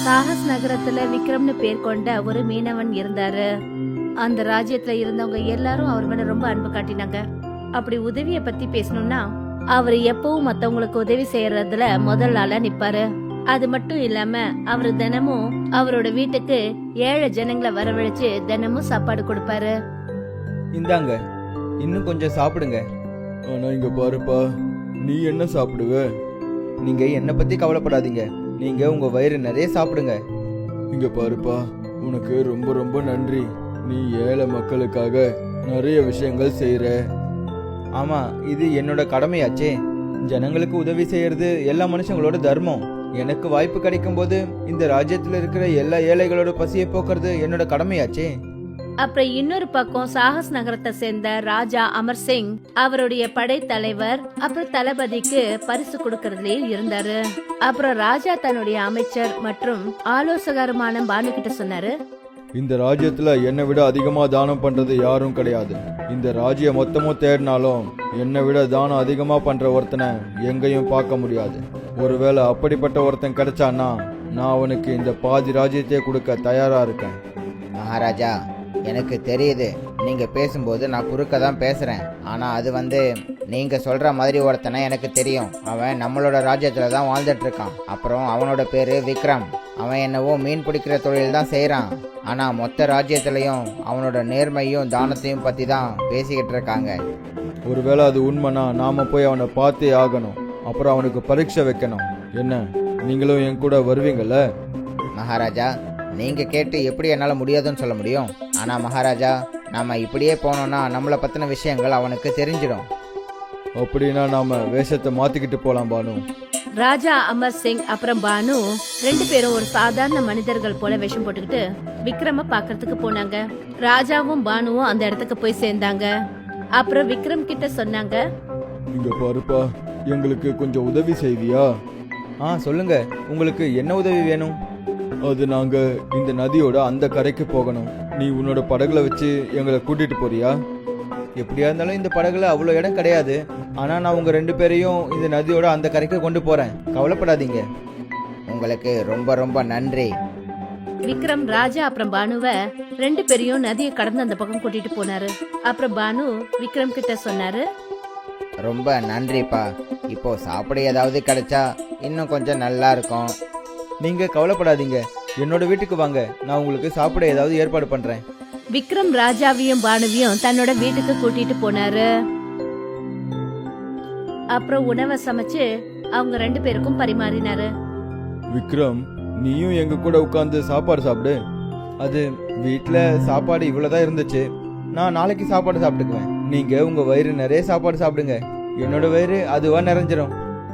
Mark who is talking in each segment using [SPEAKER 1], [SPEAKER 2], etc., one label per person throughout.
[SPEAKER 1] Chagas நகரத்துல விக்ரம்னு பேர் கொண்ட ஒரு மீனவன் இருந்தாரு. அந்த ராஜ்யத்துல இருந்தவங்க எல்லாரும் அவர் மேல ரொம்ப அன்பு காட்டினாங்க. அப்படி உதவிய பத்தி பேசணும்னா அவர் எப்பவும் மத்தவங்களுக்கு உதவி செய்யறதுல முதல் ஆளா நிப்பாரு. அது மட்டும் இல்லாம அவரு தினமும் அவரோட வீட்டுக்கு ஏழை ஜனங்களை வரவழைச்சு தினமும் சாப்பாடு கொடுப்பாரு.
[SPEAKER 2] இந்தாங்க, இன்னும் கொஞ்சம் சாப்பிடுங்க.
[SPEAKER 3] ஆனா இங்க பாருப்பா, நீ என்ன சாப்பிடுவ?
[SPEAKER 2] நீங்க என்னை பத்தி கவலைப்படாதீங்க, நீங்க உங்க வயிறு நிறைய சாப்பிடுங்க.
[SPEAKER 3] இங்க பாருப்பா, உனக்கு ரொம்ப ரொம்ப நன்றி. நீ ஏழை மக்களுக்காக நிறைய விஷயங்கள் செய்யற.
[SPEAKER 2] ஆமா, இது என்னோட கடமையாச்சே. ஜனங்களுக்கு உதவி செய்யறது எல்லா மனுஷங்களோட தர்மம். எனக்கு வாய்ப்பு கிடைக்கும் போது இந்த ராஜ்யத்துல இருக்கிற எல்லா ஏழைகளோட பசியை போக்குறது என்னோட கடமையாச்சே.
[SPEAKER 1] அப்புறம் இன்னொரு பக்கம் சாகஸ் நகரத்தை சேர்ந்த ராஜா அமர் சிங் அவருடைய படை தலைவர் அப்புறம் தளபதிக்கு பரிசு கொடுக்கறதுலயே இருந்தாரு. அப்புறம் ராஜா தன்னுடைய அமைச்சர் மற்றும் ஆலோசகருமான பானு கிட்ட சொன்னாரு,
[SPEAKER 3] இந்த ராஜ்யத்துல என்னை விட அதிகமா தானம் பண்றது யாரும் கிடையாது. இந்த ராஜ்யம் மொத்தமும் தேடினாலும் என்னை விட தானம் அதிகமா பண்ற ஒருத்தனை எங்கேயும் பார்க்க முடியாது. ஒருவேளை அப்படிப்பட்ட ஒருத்தன் கிடைச்சான்னா நான் அவனுக்கு இந்த பாதி ராஜ்யத்தையே கொடுக்க தயாரா இருக்கேன்.
[SPEAKER 4] மகாராஜா, எனக்கு தெரியுது நீங்க பேசும்போது நான் குறுக்க தான் பேசுறேன். ஆனா அது நீங்க சொல்ற மாதிரி ஒருத்தனை எனக்கு தெரியும். அவன் நம்மளோட ராஜ்யத்துல தான் வாழ்ந்துட்டு இருக்கான். அப்புறம் அவனோட பேரு விக்ரம். அவன் என்னவோ மீன் பிடிக்கிற தொழில் தான் செய்யறான். ஆனா மொத்த ராஜ்யத்திலையும் அவனோட நேர்மையும் தானத்தையும் பத்தி தான் பேசிக்கிட்டு இருக்காங்க.
[SPEAKER 3] ஒருவேளை அது உண்மைனா நாம போய் அவனை பார்த்தே ஆகணும். அப்புறம் அவனுக்கு பரீட்சை வைக்கணும். என்ன, நீங்களும் என் கூட வருவீங்கல்ல?
[SPEAKER 4] மகாராஜா, நீங்க கேட்டு எப்படி என்னால முடியாதுன்னு சொல்ல முடியும்? ஆனா மகாராஜா, நாம இப்படியே போனோம்னா நம்மளை பத்தின விஷயங்கள் அவனுக்கு தெரிஞ்சிடும்.
[SPEAKER 3] அப்படின்னா நாம வேஷத்தை மாத்திக்கிட்டு போலாம் பானு.
[SPEAKER 1] ராஜா அமர் சிங் அப்புறம் பானு ரெண்டு பேரும் ஒரு சாதாரண மனிதர்கள் போல வேஷம் போட்டுக்கிட்டு விக்ரம பாக்குறதுக்கு போனாங்க. ராஜாவும் பானுவும் அந்த இடத்துக்கு போய் சேர்ந்தாங்க. அப்புறம் விக்ரம் கிட்ட சொன்னாங்க,
[SPEAKER 3] இங்க பாருப்பா, எங்களுக்கு கொஞ்சம் உதவி செய்வியா?
[SPEAKER 2] சொல்லுங்க, உங்களுக்கு என்ன உதவி வேணும்?
[SPEAKER 3] அது நாங்க இந்த நதியோட அந்த கரைக்கு போகணும். நீ உன்னோட படகுல வச்சு எங்களை கூட்டிட்டு போறியா?
[SPEAKER 2] எப்படியா இருந்தாலும் இந்த படகுல அவ்வளோ இடம் கிடையாது. ஆனா நான் உங்க ரெண்டு பேரையும் இந்த நதியோட அந்த கரைக்கு கொண்டு போறேன், கவலைப்படாதீங்க.
[SPEAKER 4] உங்களுக்கு ரொம்ப ரொம்ப நன்றி.
[SPEAKER 1] விக்ரம் ராஜா அப்புறம் பானுவ ரெண்டு பேரையும் நதியை கடந்து அந்த பக்கம் கூட்டிட்டு போனாரு. அப்புறம் பானு விக்ரம் கிட்ட சொன்னாரு,
[SPEAKER 4] ரொம்ப நன்றிப்பா. இப்போ சாப்பிட ஏதாவது கிடைச்சா இன்னும் கொஞ்சம் நல்லா இருக்கும்.
[SPEAKER 2] நீங்க கவலைப்படாதீங்க, என்னோட வீட்டுக்கு வாங்க, நான் உங்களுக்கு சாப்பிட ஏதாவது ஏற்பாடு பண்றேன்.
[SPEAKER 1] விக்ரம் ராஜாவையும் பானுவையும் தன்னோட வீட்டுக்கு கூட்டிட்டு போனாரு. அப்புறம் உணவை சமைச்சு அவங்க ரெண்டு பேருக்கும் பரிமாறினாரு.
[SPEAKER 3] விக்ரம், நீயும் எங்க கூட உட்கார்ந்து சாப்பாடு சாப்பிடு.
[SPEAKER 2] அது வீட்டுல சாப்பாடு இவ்வளவுதான் இருந்துச்சு, நான் நாளைக்கு சாப்பாடு சாப்பிட்டுக்குவேன். நீங்க உங்க வயிறு நிறைய சாப்பாடு சாப்பிடுங்க, என்னோட வயிறு அதுவா நிறைஞ்சிரும்.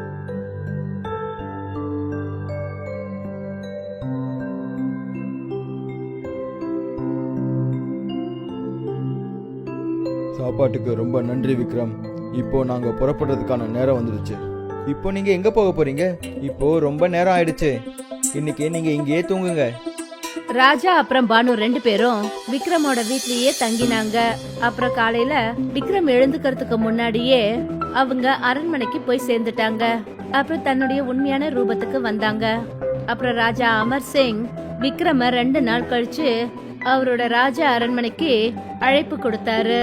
[SPEAKER 3] சாப்பாட்டுக்கு ரொம்ப நன்றி விக்ரம். இப்போ நாங்க புறப்படுறதுக்கான நேரம் வந்துடுச்சு.
[SPEAKER 2] இப்போ நீங்க எங்க போக போறீங்க? இப்போ ரொம்ப நேரம் ஆயிடுச்சு, இன்னைக்கு நீங்க இங்கேயே தூங்குங்க.
[SPEAKER 1] ராஜா அப்புறம் பானு ரெண்டு பேரும் விக்ரமோட வீட்லயே தங்கினாங்க. அப்புறம் காலையில விக்ரம் எழுந்துக்கிறதுக்கு முன்னாடியே அவங்க அரண்மனைக்கு போய் சேர்ந்துட்டாங்க. அப்புறம் தன்னுடைய உண்மையான ரூபத்துக்கு வந்தாங்க. அப்புறம் ராஜா அமர் சிங் விக்ரம 2 நாள் கழிச்சு அவரோட ராஜா அரண்மனைக்கு அழைப்பு கொடுத்தாரு.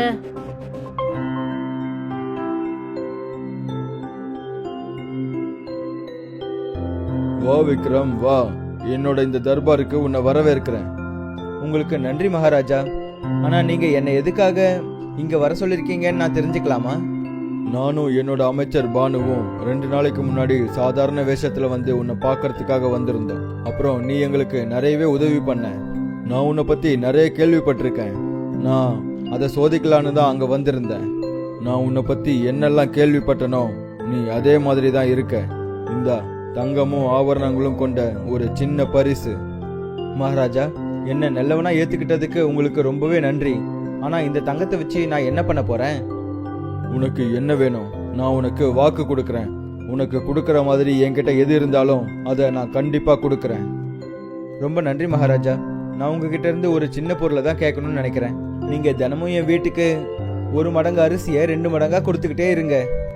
[SPEAKER 3] வா விக்ரம், வா. என்னோட இந்த தர்பாருக்கு உன்னை வரவேற்கிறேன்.
[SPEAKER 2] உங்களுக்கு நன்றி மகாராஜா. ஆனா நீங்க என்னை எதுக்காக இங்க வர சொல்லிருக்கீங்கன்னு நான் தெரிஞ்சுக்கலாமா?
[SPEAKER 3] நானும் என்னோட அமைச்சர் பானுவும் 2 நாளைக்கு முன்னாடி சாதாரண வேஷத்துல வந்து உன்னை பார்க்கறதுக்காக வந்திருந்தோம். அப்புறம் நீ எங்களுக்கு நிறையவே உதவி பண்ண. நான் உன்னை பத்தி நிறைய கேள்விப்பட்டிருக்கேன். நான் அதை சோதிக்கலான்னு தான் அங்க வந்திருந்தேன். நான் உன்னை பத்தி என்னெல்லாம் கேள்விப்பட்டனோ நீ அதே மாதிரி தான் இருக்க. இந்தா தங்கமும் ஆபரணங்களும் கொண்ட ஒரு சின்ன பரிசு.
[SPEAKER 2] மகாராஜா, என்ன நல்லவனா ஏத்துக்கிட்டதுக்கு உங்களுக்கு ரொம்பவே நன்றி. ஆனா இந்த தங்கத்தை வச்சு நான் என்ன பண்ண போறேன்?
[SPEAKER 3] உனக்கு என்ன வேணும்? நான் உனக்கு வாக்கு கொடுக்கறேன். உனக்கு கொடுக்கற மாதிரி என்கிட்ட எது இருந்தாலும் அதை நான் கண்டிப்பா கொடுக்கறேன்.
[SPEAKER 2] ரொம்ப நன்றி மகாராஜா. நான் உங்ககிட்ட இருந்து ஒரு சின்ன பொருளை தான் கேட்கணும்னு நினைக்கிறேன். நீங்க தினமும் என் வீட்டுக்கு 1 மடங்கு அரிசியை 2 மடங்கா கொடுத்துக்கிட்டே இருங்க.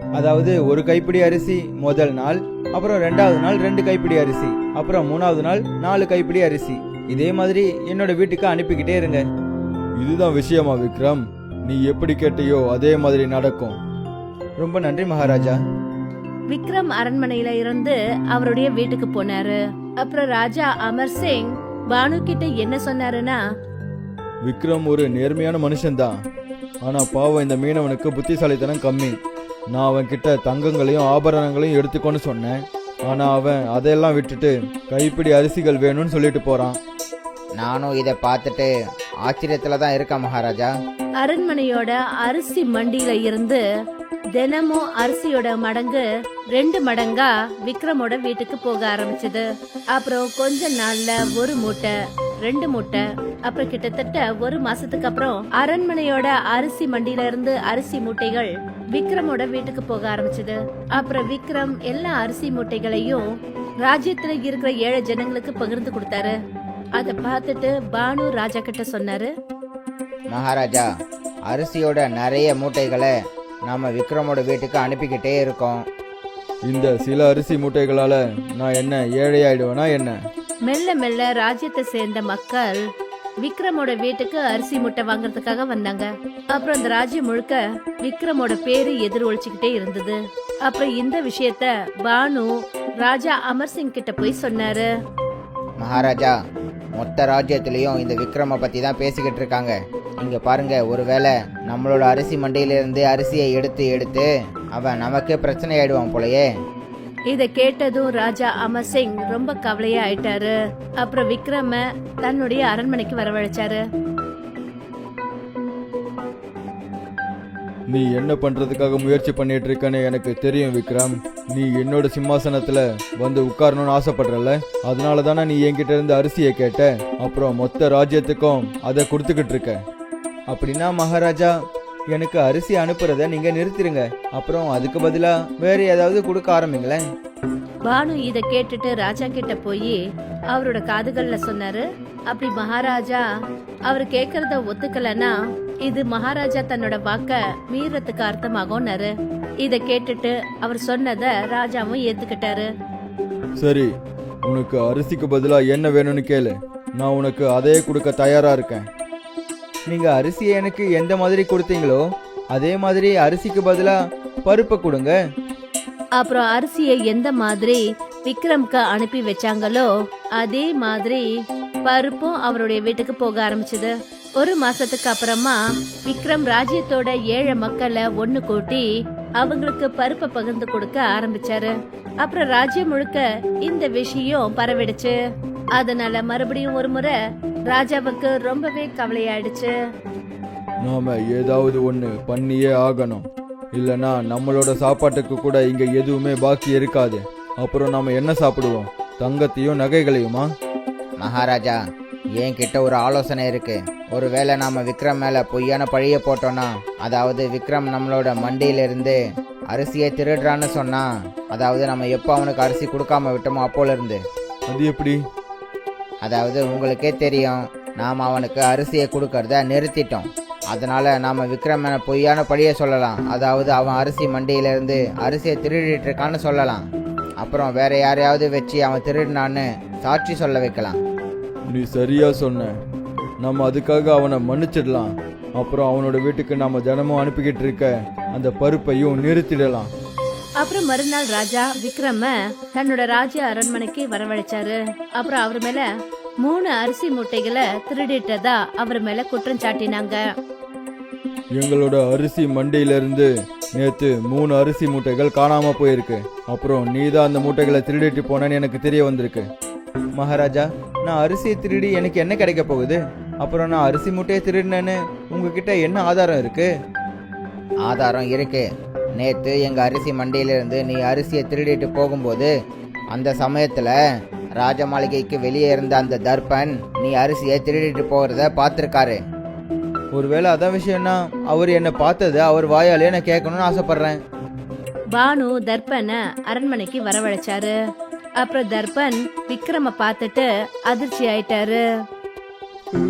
[SPEAKER 2] அதாவது ஒரு கைப்பிடி அரிசி முதல் நாள், அப்புறம் 2வது நாள் 2 கைப்பிடி அரிசி, அப்புறம் 3வது நாள் 4 கைப்பிடி அரிசி. இதே மாதிரி என்னோட வீட்டுக்கு அனுப்பிக்கிட்டே இருங்க.
[SPEAKER 3] இதுதான் விஷயமா விக்ரம்? நீ எப்படி கேட்டியோ அதே மாதிரி நடக்கும்.
[SPEAKER 2] ரொம்ப நன்றி மகாராஜா.
[SPEAKER 1] விக்ரம் அரண்மனையில இருந்து அவருடைய வீட்டுக்கு போனாரு. அப்புறம் ராஜா அமர் சிங் பானு கிட்ட என்ன சொன்னாருன்னா,
[SPEAKER 3] விக்ரம் ஒரு நேர்மையான மனுஷன்தான். ஆனா பாவம் இந்த மீனவனுக்கு புத்திசாலித்தனம் கம்மி. நான் அவன் கிட்ட தங்கங்களையும் ஆபரணங்களையும் எடுத்துக்கோன்னு சொன்னேன். ஆனா அவன் அதையெல்லாம் விட்டுட்டு கைப்பிடி அரிசிகள் வேணும்னு சொல்லிட்டு போறான்.
[SPEAKER 4] நானும் இதை பார்த்துட்டு ஆச்சரியத்தில் தான் இருக்கேன் மகாராஜா.
[SPEAKER 1] அரண்மனையோட அரிசி மண்டியில இருந்து தினமும் அரிசியோட மடங்கு 2 மடங்கா விக்ரமோட வீட்டுக்கு போக ஆரம்பிச்சது. அப்புறம் கொஞ்ச நாள்ல 1 மூட்டை, 2 மூட்டை, அப்புறம் கிட்டத்தட்ட 1 மாசத்துக்கு அப்புறம் அரண்மனையோட அரிசி மண்டியில இருந்து அரிசி மூட்டைகள் விக்ரமோட வீட்டுக்கு போக ஆரம்பிச்சது. அப்புறம் விக்ரம் எல்லா அரிசி மூட்டைகளையும் ராஜ்யத்துல இருக்கிற ஏழை ஜனங்களுக்கு பகிர்ந்து கொடுத்தாரு. அத பார்த்துட்டு பானு ராஜா கிட்ட சொன்னாரு,
[SPEAKER 4] மகாராஜா, அரிசியோட நிறைய மூட்டைகளை நாம விக்ரமோட வீட்டுக்கு அனுப்பிக்கிட்டே இருக்கோம்.
[SPEAKER 3] இந்த சில அரிசி மூட்டைகளால நான் என்ன ஏழையாயிடுவேனா என்ன?
[SPEAKER 1] மெல்ல மெல்ல ராஜ்யத்தை சேர்ந்த மக்கள் விக்ரமோட வீட்டுக்கு அரிசி மூட்டை வாங்குறதுக்காக வந்தாங்க. அப்புறம் அந்த ராஜ்யம் முழுக்க விக்ரமோட பேரு எதிர் ஒழிச்சுக்கிட்டே இருந்தது. அப்புறம் இந்த விஷயத்த பானு ராஜா அமர் சிங் கிட்ட போய் சொன்னாரு.
[SPEAKER 4] மகாராஜா, மொத்த ராஜ்யத்திலையும் இந்த விக்ரம பத்தி தான் பேசிக்கிட்டு இருக்காங்க. இங்க பாருங்க, ஒருவேளை நம்மளோட அரிசி மண்டியிலிருந்து அரிசியை எடுத்து எடுத்து அவன் நமக்கே பிரச்சனை ஆயிடுவான் போலயே.
[SPEAKER 1] இத கேட்டதும் ராஜா அமர் சிங் ரொம்ப கவலையா ஆயிட்டாரு. அப்புறம் விக்ரம தன்னுடைய அரண்மனைக்கு வரவழைச்சாரு.
[SPEAKER 3] நீ என்ன பண்றதுக்காக முயற்சி பண்ணிட்டு இருக்கன்னு எனக்கு தெரியும் விக்ரம். நீ என்னோட சிம்மாசனத்துல வந்து உட்காரணும்னு ஆசைப்படுறல, அதனால தானே நீ என்கிட்ட இருந்து அரிசியை கேட்ட. அப்புறம் மொத்த ராஜ்யத்துக்கும் அதை கொடுத்துக்கிட்டு இருக்க.
[SPEAKER 2] அப்படின்னா மகாராஜா, எனக்கு அரிசி அனுப்புறத நீங்க நிறுத்திடுங்க. அப்புறம் அதுக்கு பதிலா வேற ஏதாவது கொடுக்க ஆரம்பிங்களேன்.
[SPEAKER 1] பானு இத கேட்டுட்டு ராஜா கிட்ட போய் அவரோட காதுகள்ல சொன்னாரு. அப்படி மகாராஜா அவர் கேக்குறத ஒத்துக்கலன்னா இது மகாராஜா தன்னோட வாக்க மீறத்துக்கு அர்த்தமாகும்னாரு. இத கேட்டுட்டு அவர் சொன்னத ராஜாவும் ஏத்துக்கிட்டாரு.
[SPEAKER 3] சரி, உனக்கு அரிசிக்கு பதிலா என்ன வேணும்னு கேளு. நான் உனக்கு அதே கொடுக்க தயாரா இருக்கேன்.
[SPEAKER 2] நீங்க அரிசியை எனக்கு எந்த மாதிரி கொடுத்தீங்களோ அதே மாதிரி அரிசிக்கு பதிலா பருப்பை கொடுங்க.
[SPEAKER 1] அப்புறம் அரிசியை எந்த மாதிரி விக்ரம்க்கு அனுப்பி வச்சாங்களோ அதே மாதிரி பருப்பும் அவருடைய வீட்டுக்கு போக ஆரம்பிச்சது. 1 மாசத்துக்கு அப்புறமா விக்ரம் ராஜ்யத்தோட ஏழை மக்களை ஒண்ணு கூட்டி அவங்களுக்கு பருப்பை பகிர்ந்து கொடுக்க ஆரம்பிச்சாரு. அப்புறம் ராஜ்யம் முழுக்க இந்த விஷயம் பரவிடுச்சு. அதனால மறுபடியும் ஒரு முறை ராஜாவுக்கு ரொம்பவே கவலையாயிடுச்சு.
[SPEAKER 3] நாம ஏதாவது ஒன்று பண்ணியே ஆகணும். இல்லனா நம்மளோட சாப்பாட்டுக்கு கூட இங்க எதுவுமே பாக்கி இருக்காது. அப்புறம் நாம என்ன சாப்பிடுவோம்? தங்கத்தையும் நகைகளையுமா?
[SPEAKER 4] மகாராஜா, என்கிட்ட ஒரு ஆலோசனை இருக்கு. ஒருவேளை நாம விக்ரம் மேல பொய்யான பழிய போட்டோம்னா, அதாவது விக்ரம் நம்மளோட மண்டியிலிருந்து அரிசியை திருடுறான்னு சொன்னா, அதாவது நம்ம எப்போ அவனுக்கு அரிசி கொடுக்காம விட்டோமோ அப்போல இருந்து.
[SPEAKER 3] அது எப்படி?
[SPEAKER 4] அதாவது உங்களுக்கே தெரியும், நாம் அவனுக்கு அரிசியை கொடுக்கறத நிறுத்திட்டோம். அதனால நாம விக்ரம் மேல பொய்யான பழிய சொல்லலாம். அதாவது அவன் அரிசி மண்டியிலிருந்து அரிசியை திருடிட்டு இருக்கான்னு சொல்லலாம். அப்புறம் வேற யாரையாவது வச்சு அவன் திருடினான்னு சாட்சி சொல்ல வைக்கலாம்.
[SPEAKER 3] நீ சரியா சொன்ன. நம்ம அதுக்காக அவனை மன்னிச்சிடலாம். அப்புறம் அவனோட வீட்டுக்கு நாம தினமும் அனுப்பிக்கிட்டு இருக்க அந்த பருப்பையும் நிறுத்திடலாம்.
[SPEAKER 1] அப்புறம் மறுநாள் ராஜா விக்ரம தன்னோட ராஜ்ய அரண்மனைக்கு வரவழைச்சாரு. அப்புறம் அவர் மேல 3 அரிசி மூட்டைகளை திருடிட்டதா அவர் மேல குற்றம் சாட்டினாங்க.
[SPEAKER 3] எங்களோட அரிசி மண்டியிலிருந்து நேத்து 3 அரிசி மூட்டைகள் காணாம போயிருக்கு. அப்புறம் நீ தான் அந்த மூட்டைகளை திருடிட்டு போனேன்னு எனக்கு தெரிய வந்திருக்கு.
[SPEAKER 2] மகாராஜா, நான் அரிசியை திருடி எனக்கு என்ன கிடைக்க போகுது? அப்புறம் நான் அரிசி மூட்டையை திருடினேன்னு உங்ககிட்ட என்ன ஆதாரம் இருக்கு?
[SPEAKER 4] ஆதாரம் இருக்கு. நேத்து எங்க அரிசி மண்டியிலிருந்து நீ அரிசியை திருடிட்டு போகும்போது அந்த சமயத்துல ராஜ மாளிகைக்கு வெளியே இருந்த அந்த தர்பன் நீ அரிசியை திருடிட்டு போகிறத பார்த்துருக்காரு.
[SPEAKER 2] ஒருவேளை அதான் விஷயம்னா அவர் என்ன பார்த்ததை அவர் வாயாலே நான் கேட்கணும்னு ஆசைப்படுறேன்.
[SPEAKER 1] பானு தர்பன அரண்மனைக்கு வரவழைச்சாரு. அப்புறம் தர்பன் விக்ரம பார்த்துட்டு அதிர்ச்சி ஆயிட்டாரு.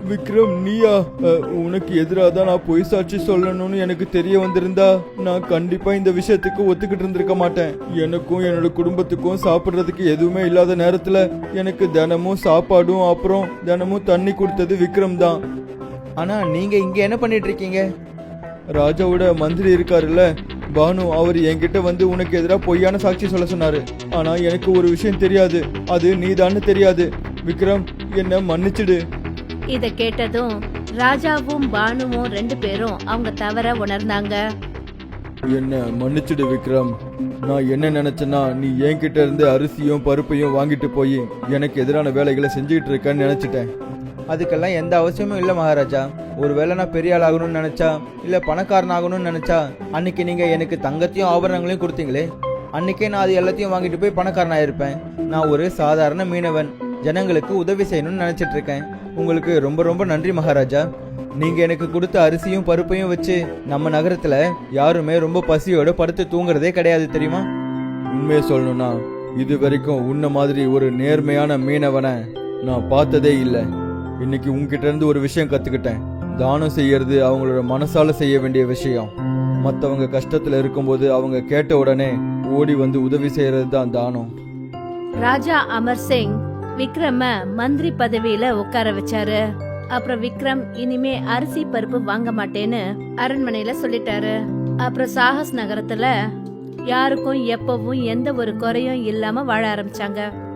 [SPEAKER 3] விக்ரம் நீயா? உனக்கு எதிராக தான் நான் பொய் சாட்சி சொல்லணும்னு எனக்கு தெரிய வந்திருந்தா நான் கண்டிப்பா இந்த விஷயத்துக்கு ஒத்துக்கிட்டு இருந்திருக்க மாட்டேன். எனக்கும் என்னோட குடும்பத்துக்கும் சாப்பிட்றதுக்கு எதுவுமே இல்லாத நேரத்துல எனக்கு தினமும் சாப்பாடும் அப்புறம் தினமும் தண்ணி கொடுத்தது விக்ரம் தான்.
[SPEAKER 2] ஆனா நீங்க இங்க என்ன பண்ணிட்டு இருக்கீங்க?
[SPEAKER 3] ராஜாவோட மந்திரி இருக்காருல்ல பானு, அவர் என்கிட்ட வந்து உனக்கு எதிராக பொய்யான சாட்சி சொல்ல சொன்னாரு. ஆனா எனக்கு ஒரு விஷயம் தெரியாது, அது நீதான்னு தெரியாது. விக்ரம், என்ன மன்னிச்சிடு.
[SPEAKER 1] இத கேட்டதும் ராஜாவும் பானுவும் 2 பேரும் அவங்க தவற உணர்ந்தாங்க.
[SPEAKER 3] என்ன மன்னிச்சிடு விக்ரம். நான் என்ன நினைச்சேன்னா நீ என்கிட்ட இருந்து அரிசியும் பருப்பையும் வாங்கிட்டு போய் எனக்கு எதிரான வேலைகளை செஞ்சுக்கிட்டு இருக்கேன்னு நினைச்சிட்டேன்.
[SPEAKER 2] அதுக்கெல்லாம் எந்த அவசியமும் இல்லை மகாராஜா. ஒருவேளை நான் பெரிய ஆள் ஆகணும்னு நினைச்சா இல்ல பணக்காரன் ஆகணும்னு நினைச்சா அன்னைக்கு நீங்க எனக்கு தங்கத்தையும் ஆபரணங்களையும் கொடுத்தீங்களே, அன்னைக்கே நான் அது எல்லாத்தையும் வாங்கிட்டு போய் பணக்காரன் ஆயிருப்பேன். நான் ஒரு சாதாரண மீனவன், ஜனங்களுக்கு உதவி செய்யணும்னு நினைச்சிட்டு இருக்கேன். உங்களுக்கு ரொம்ப ரொம்ப நன்றி மகாராஜா. நீங்க எனக்கு கொடுத்த அரிசியும் பருப்பையும் வச்சு நம்ம நகரத்துல யாருமே ரொம்ப பசியோட படுத்து தூங்குறதே கிடையாது தெரியுமா?
[SPEAKER 3] உண்மையை சொல்லணும்னா இது வரைக்கும் உன்ன மாதிரி ஒரு நேர்மையான மீனவனை நான் பார்த்ததே இல்லை. இன்னைக்கு உன்கிட்ட இருந்து ஒரு விஷயம் கத்துக்கிட்டேன். தானம் செய்யறது அவங்களோட மனசால செய்ய வேண்டிய விஷயம். மற்றவங்க கஷ்டத்துல இருக்கும்போது அவங்க கேட்ட உடனே ஓடி வந்து உதவி செய்யறது தான் தானம்.
[SPEAKER 1] ராஜா அமர் சிங் விக்ரம மந்திரி பதவியில உட்கார வச்சாரு. அப்புறம் விக்ரம் இனிமே அரிசி பருப்பு வாங்க மாட்டேன்னு அரண்மனையில சொல்லிட்டாரு. அப்புறம் சாகஸ் நகரத்துல யாருக்கும் எப்பவும் எந்த ஒரு குறையும் இல்லாம வாழ ஆரம்பிச்சாங்க.